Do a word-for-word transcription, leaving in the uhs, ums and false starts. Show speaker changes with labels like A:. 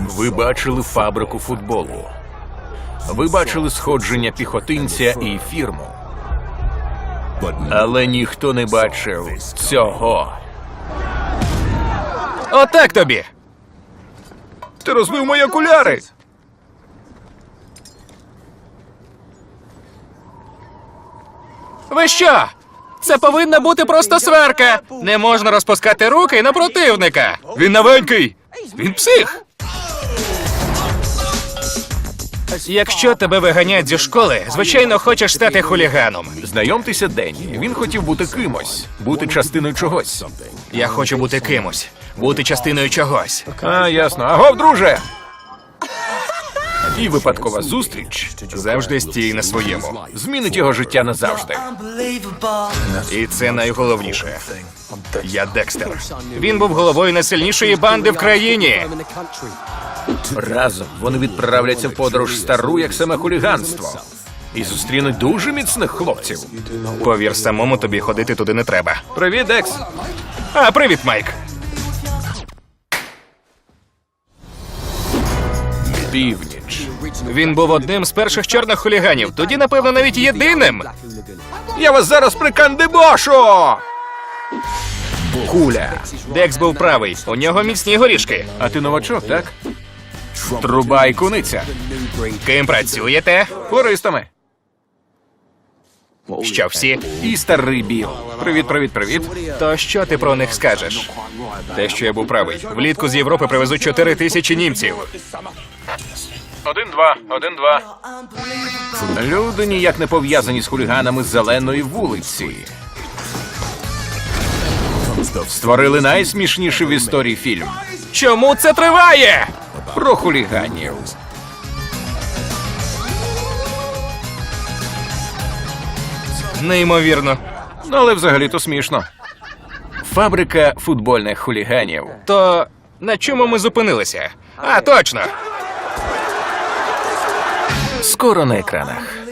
A: Ви бачили фабрику футболу. Ви бачили сходження піхотинця і фірму. Але ніхто не бачив цього.
B: Отак тобі!
A: Ти розбив мої окуляри!
B: Ви що? Це повинна бути просто сварка! Не можна розпускати руки на противника! Він новенький! Він псих! Якщо тебе виганять зі школи, звичайно, хочеш стати хуліганом.
A: Знайомтеся, Денні. Він хотів бути кимось, бути частиною чогось.
B: Я хочу бути кимось, бути частиною чогось.
A: А, ясно. Агов, друже! І випадкова зустріч
B: Завжди стій на своєму.
A: змінить його життя назавжди.
B: І це найголовніше. Я Декстер. Він був головою найсильнішої банди в країні.
A: Разом вони відправляться в подорож стару, як саме хуліганство. І зустрінуть дуже міцних хлопців.
B: Повір, самому тобі ходити туди не треба.
A: Привіт, Декс.
B: А, привіт, Майк.
A: Північ.
B: Він був одним з перших чорних хуліганів, тоді, напевно, навіть єдиним.
A: Я вас зараз прикандибошу! Куля.
B: Декс був правий, у нього міцні горішки.
A: А ти новачок, так? Труба і куниця.
B: Ким працюєте?
A: Флористами.
B: Що всі?
A: І старий Біл. Привіт, привіт, привіт.
B: То що ти про них скажеш? Те, що я був правий. Влітку з Європи привезуть чотири тисячі німців.
A: Один-два, один-два. Люди ніяк не пов'язані з хуліганами з Зеленої вулиці. Створили найсмішніший в історії фільм
B: Чому це триває?
A: про хуліганів.
B: Неймовірно.
A: Ну, але взагалі-то смішно. Фабрика футбольних хуліганів.
B: То на чому ми зупинилися? А, точно!
A: Скоро на екранах.